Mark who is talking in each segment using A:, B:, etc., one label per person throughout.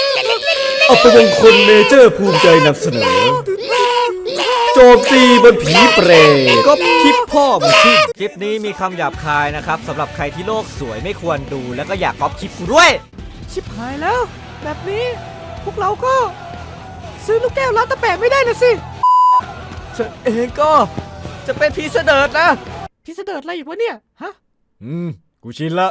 A: อัปมงคลเมเจอร์ภูมิใจนำเสนอโจมตีบนผีเปรตก็คลิปพ่อมึงขึ้นคลิปนี้มีคำหยาบคายนะครับสำหรับใครที่โลกสวยไม่ควรดูแล้วก็อยากก๊อปคลิปกูด้วยชิบหายแล้วแบบนี้พวกเราก็ซื้อลูกแก้วร้านตะแปะไม่ได้นะสิฉันเองก็จะเป็นพีเสดิร์ดนะพีเสดิร์ดอะไรอีกวะเนี่ยฮะกูชินละ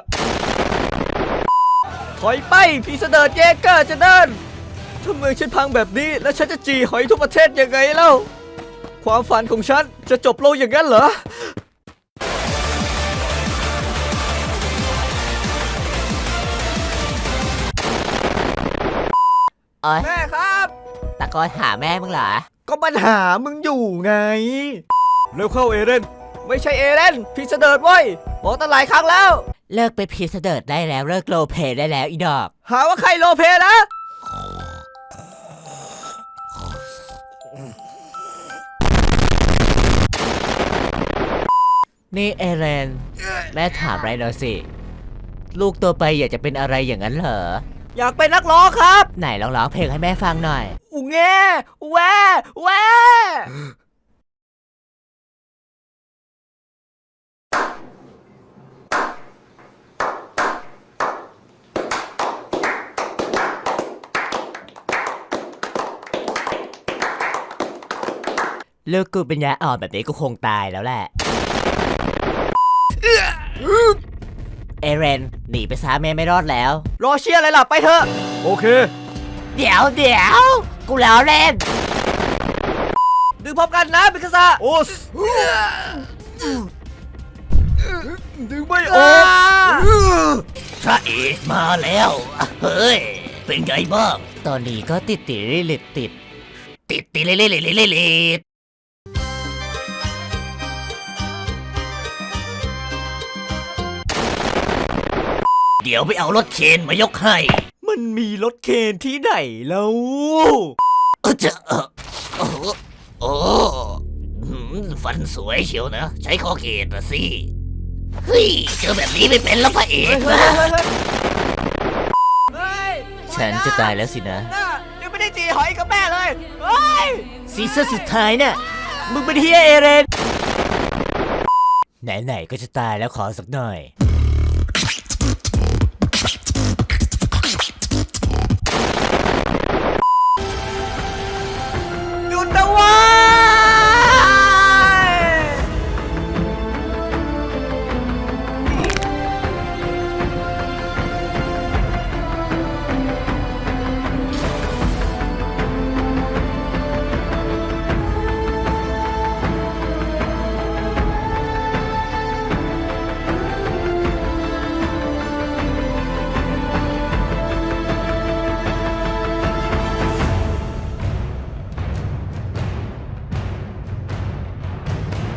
A: ถอยไปพีเสดิร์ดเยเกอร์จะเดินถ้าเมืองฉันพังแบบนี้แล้วฉันจะจีหอยทุกประเทศยังไงเล่าความฝันของฉันจะจบลงอย่างนั้นเหรอแม่ครับ
B: ตะโกนหาแม่มึงเหรอ
A: ก็ปัญหามึงอยู่ไงเร็วเข้าเอเรนไม่ใช่เอเรนพีเสดิร์ดเว้ยบอกตั้งหลายครั้งแล้ว
B: เลิกเป็นพีเสดิร์ดได้แล้วเลิกโรลเพลย์ได้แล้วอีดอก
A: หาว่าใครโรลเพลย์นะ
B: นี่เอเรนแม่ถามอะไรหน่อยสิลูกตัวไปอยากจะเป็นอะไรอย่างนั้นเหรอ
A: อยากเป็นนักร้องครับ
B: ไหนลองร้องเพลงให้แม่ฟังหน่อย
A: อูแง่แวแว
B: ลูกกูเป็นยาอ่อนแบบนี้กูคงตายแล้วแหละเอเรนหนีไปซะแม่ไม่รอดแล้ว
A: รอเชียร์อะไรล่ะไปเถอะโอเค
B: เดี๋ยวกูแล้วเล่น
A: ดึงพร้อมกันนะบิคาซาโอสดึงไม่ออก
B: พระเอกมาแล้วเฮ้ยเป็นไงบ้างตอนนี้ก็ติดลิดติดเดี๋ยวไปเอารถเคนมายกให้
A: มันมีรถเคนที่ไหนแล้ว
B: โอ้ฟันสวยเชียวนะใช้คอเคนนะสิเฮ้ยเจอแบบนี้ไม่เป็นแล้วพระเอกนะฉันจะตายแล้วสินะ
A: ยังไม่ได้จีหอยกับแม่เลยเฮ้ย
B: ซีซั่นสุดท้ายเนี่ยมึงเป็นเฮียเอเรนไหนๆก็จะตายแล้วขอสักหน่อย